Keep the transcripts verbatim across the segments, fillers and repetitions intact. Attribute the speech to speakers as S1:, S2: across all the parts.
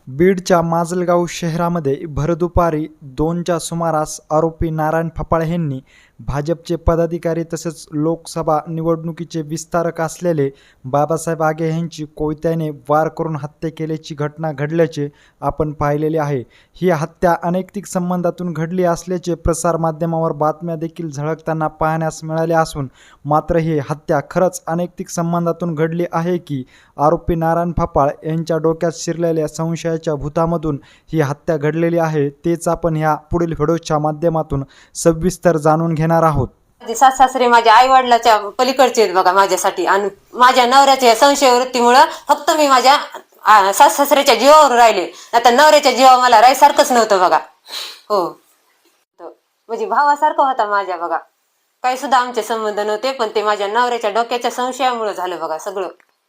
S1: बीडच्या माजलगाव शहरामध्ये भरदुपारी दोनच्या सुमारास आरोपी नारायण फपाळे यांनी भाजपचे पदाधिकारी तसेच लोकसभा निवडणुकीचे विस्तारक असलेले बाबासाहेब आगे यांची कोयत्याने वार करून हत्या केल्याची घटना घडल्याचे आपण पाहिलेले आहे। ही हत्या अनैतिक संबंधातून घडली असल्याचे प्रसारमाध्यमावर बातम्या देखील झळकताना पाहण्यास मिळाले असून मात्र ही हत्या खरंच अनैतिक संबंधातून घडली आहे की आरोपी नारायण फपाळ यांच्या डोक्यात शिरलेल्या संशयाच्या भूतामधून ही हत्या घडलेली आहे, तेच आपण ह्या पुढील व्हिडिओच्या माध्यमातून सविस्तर जाणून घेणार आहोत।
S2: सास सासरे माझ्या आई वडिलाच्या पलीकडचे आहेत बघा माझ्यासाठी, आणि माझ्या नवऱ्याच्या संशय वृत्तीमुळे फक्त मी माझ्या सास सासऱ्याच्या जीवावर राहिले, आता नवऱ्याच्या जीवावर मला राहायसारखंच नव्हतं बघा। हो, म्हणजे भावासारखं होता माझ्या बघा, काही सुद्धा आमचे संबंध नव्हते, पण ते माझ्या नवऱ्याच्या डोक्याच्या संशयामुळे झालं बघा सगळं।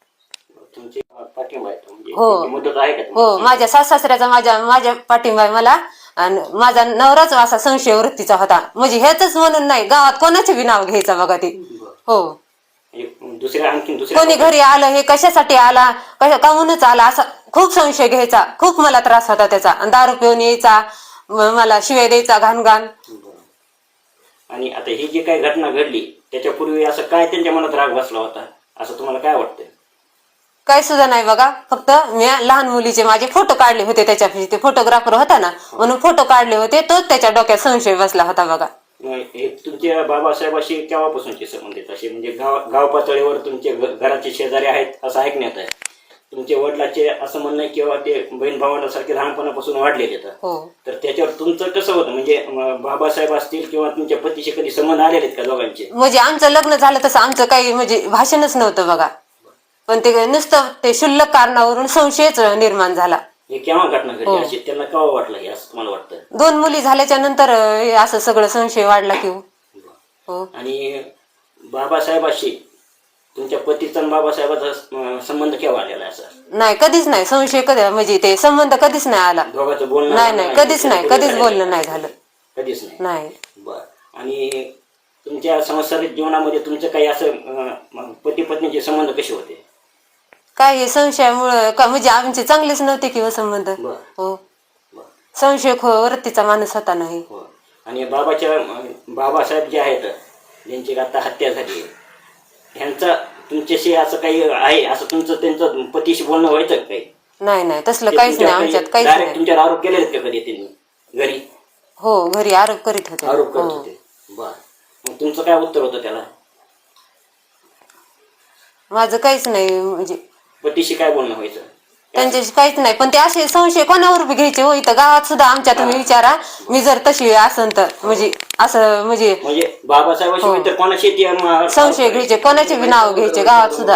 S2: हो हो, माझ्या सास सासऱ्याचा माझ्या माझ्या पाठिंबा आहे मला, आणि माझा नवराच असा संशय वृत्तीचा होता, म्हणजे हेच म्हणून नाही, गावात कोणाचे बी नाव घ्यायचं बघा ते। हो,
S3: दुसऱ्या आणखी दुसऱ्या
S2: कोणी घरी आलं हे कशासाठी आला, कशा काहूनच आला असा खूप संशय घ्यायचा, खूप मला त्रास होता त्याचा, आणि दारू पिऊन यायचा, मला शिवाय द्यायचा घाण घाण।
S3: आणि आता ही जी काही घटना घडली त्याच्यापूर्वी असं काय त्यांच्या मनात राग बसला होता असं तुम्हाला काय वाटतं?
S2: काय सुद्धा नाही बघा, फक्त मी लहान मुलीचे माझे फोटो काढले होते, त्याच्या ते फोटोग्राफर होता ना म्हणून फोटो काढले होते, तोच त्याच्या डोक्यात संशय बसला होता बघा।
S3: हे तुमच्या बाबासाहेबाशी केव्हापासूनचे संबंधित असे, म्हणजे गाव गाव पातळीवर तुमचे घराचे शेजारी आहेत असं ऐकण्यात आहे, तुमच्या वडिलाचे असं म्हणणं आहे किंवा ते बहीण भावांसारखे लहानपणापासून वाढलेले आहेत, तर त्याच्यावर तुमचं कसं होतं, म्हणजे बाबासाहेब असतील किंवा तुमच्या पतीशी कधी संबंध आलेले आहेत का दोघांचे? म्हणजे
S2: आमचं लग्न झालं तसं आमचं काही म्हणजे भाषणच नव्हतं बघा, पण ते नुसतं ते क्षुल्लक कारणावरून संशयच निर्माण झाला।
S3: हे केव्हा घटना घडली अशी त्यांना केव्हा वाटलं हे असं तुम्हाला वाटतं?
S2: दोन मुली झाल्याच्या नंतर असं सगळं संशय वाढला की हो।
S3: आणि बाबासाहेबाशी तुमच्या पतीचा आणि बाबासाहेबाचा संबंध केव्हा आलेला असं?
S2: नाही, कधीच नाही संशय, कधी म्हणजे ते संबंध कधीच नाही आला,
S3: दोघांचं बोलणं
S2: नाही नाही कधीच नाही, कधीच बोलणं नाही झालं,
S3: कधीच नाही
S2: नाही।
S3: बर, आणि तुमच्या सांसारिक जीवनामध्ये तुमचं काही असं पती पत्नीचे संबंध कसे होते?
S2: काय हे संशयामुळं का म्हणजे आमचे चांगलेच नव्हते किंवा संबंध। हो, संशय वृत्तीचा माणूस होता नाही।
S3: आणि बाबाच्या बाबासाहेब जे आहेत ज्यांची आता हत्या झाली, ह्यांचा तुमच्याशी असं काही आहे, असं तुमचं त्यांचं पतीशी बोलणं व्हायचं काही?
S2: नाही नाही, तसलं काहीच नाही आमच्यात, काहीच नाही।
S3: तुमच्यावर आरोप केलेत का कधी त्यांनी घरी?
S2: हो, घरी आरोप करीत होते,
S3: आरोप करत होते। बर, मग तुमचं काय उत्तर होतं त्याला?
S2: माझं काहीच नाही, म्हणजे
S3: पतीशी काय बोलणं व्हायचं?
S2: त्यांच्याशी काहीच नाही, पण ते असे संशय कोणावर बी घ्यायचे हो, इथं गावात सुद्धा आमच्या तुम्ही विचारा, मी जर तशी असन तर म्हणजे असं म्हणजे
S3: म्हणजे बाबासाहेबाशी तर कोणाशी
S2: संशय घ्यायचे, कोणाचे बी नाव घ्यायचे गावात सुद्धा,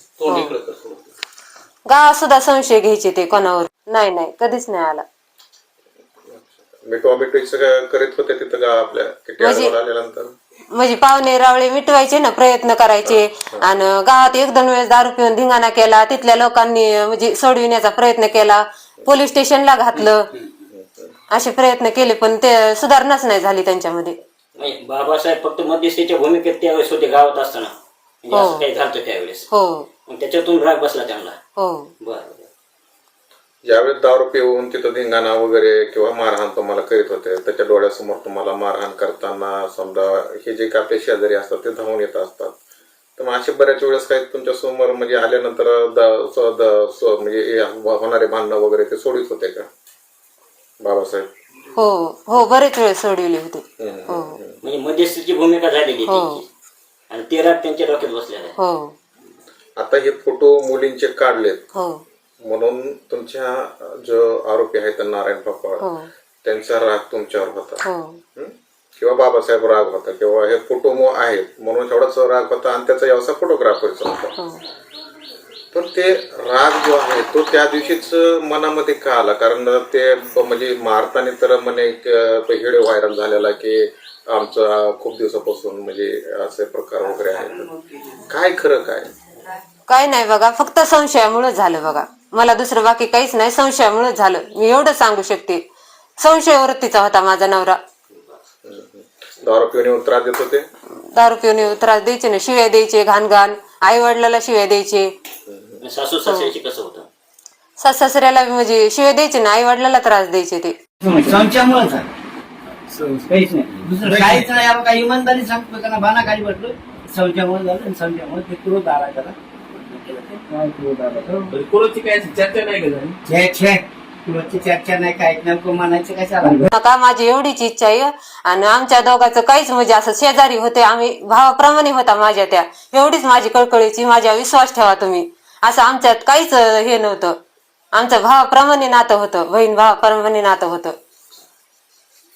S2: गावात सुद्धा संशय घ्यायचे ते कोणावर। नाही नाही, कधीच नाही आला।
S4: मिठवा मिठवीचं करीत होते तिथं का आपल्या आल्यानंतर?
S2: म्हणजे पाहुणे रावळे मिटवायचे ना, प्रयत्न करायचे, आणि गावात एक दोन वेळेस दारू पिऊन धिंगाणा केला, तिथल्या लोकांनी म्हणजे सोडविण्याचा प्रयत्न केला, पोलीस स्टेशनला घातलं, असे प्रयत्न केले, पण ते सुधारणाच नाही झाली त्यांच्यामध्ये।
S3: बाबासाहेब फक्त मध्यस्थीच्या भूमिकेत त्यावेळेस होते गावात असताना, असं काही झालं त्यावेळेस?
S2: हो,
S3: त्याच्यातून राग बसला त्यांना?
S2: हो।
S3: बरं,
S4: ज्यावेळेस दारू पिऊन तिथं धिंगाणा वगैरे किंवा मारहाण तुम्हाला करीत होते, त्याच्या डोळ्यासमोर तुम्हाला मारहाण करताना समजा हे जे आपले शेजारी असतात ते धावून येत असतात, तर मग असे बऱ्याच वेळेस काही तुमच्या समोर म्हणजे आल्यानंतर म्हणजे होणारे भांडणं वगैरे ते सोडित होते का बाबासाहेब?
S2: हो हो, बरेच वेळेस सोडविले होते।
S3: म्हणजे मध्यस्थीची भूमिका झालेली आणि ते राग त्यांच्या डोक्यात बसलेला आहे।
S2: हो,
S4: आता हे फोटो मुलींचे काढलेत,
S2: हो,
S4: म्हणून तुमच्या जो आरोपी आहेत नारायण फपाळ त्यांचा राग तुमच्यावर होता किंवा बाबासाहेब राग होता किंवा हे फोटो आहेत म्हणून एवढाच राग होता, आणि त्याचा व्यवसाय फोटोग्राफरचा होता, पण ते राग जो आहे तो त्या दिवशीच मनामध्ये का आला? कारण ते म्हणजे मारताना तर म्हणे व्हिडिओ व्हायरल झालेला की आमचा खूप दिवसापासून म्हणजे असे प्रकार वगैरे आहेत, काय खरं काय?
S2: काय नाही बघा, फक्त संशयामुळे झालं बघा, मला दुसरं बाकी काहीच नाही, संशयामुळे झालं, मी एवढं सांगू शकते। संशय वृत्तीचा होता माझा नवरा।
S4: दारू पिऊन त्रास देत होते?
S2: दारू पिऊन त्रास द्यायचे ना, शिव्या द्यायचे घाण घाण, आई वडिलाला शिव्या द्यायचे।
S3: सासू सासऱ्याशी कसं होतं?
S2: सास सासऱ्याला म्हणजे शिवे द्यायचे ना, आई वडिलाला त्रास द्यायचे ते.
S5: संशयामुळेच आहे काहीच नाही, दुसरं काहीच नाही. आपण काही इमानदारी सांगतो त्यांना बाना खाली वाटलं, संशयामुळे झालं आणि संशयामुळे ते क्रोध आला त्याला.
S6: कोणाची काय चर्चा नाही का झाली?
S5: छे छे क्रोधची चर्चा नाही, काय नेमकं म्हणायचं कशाला.
S2: नका, माझी एवढीच इच्छा आहे. आणि आमच्या दोघांचं काहीच म्हणजे असं शेजारी होते आम्ही, भावाप्रमाणे होता माझ्या त्या. एवढीच माझी कळकळीची, माझ्या विश्वास ठेवा तुम्ही. असं आमच्यात काहीच हे नव्हतं, आमचं भावाप्रमाणे नातं होतं, बहीण भावाप्रमाणे नातं होतं.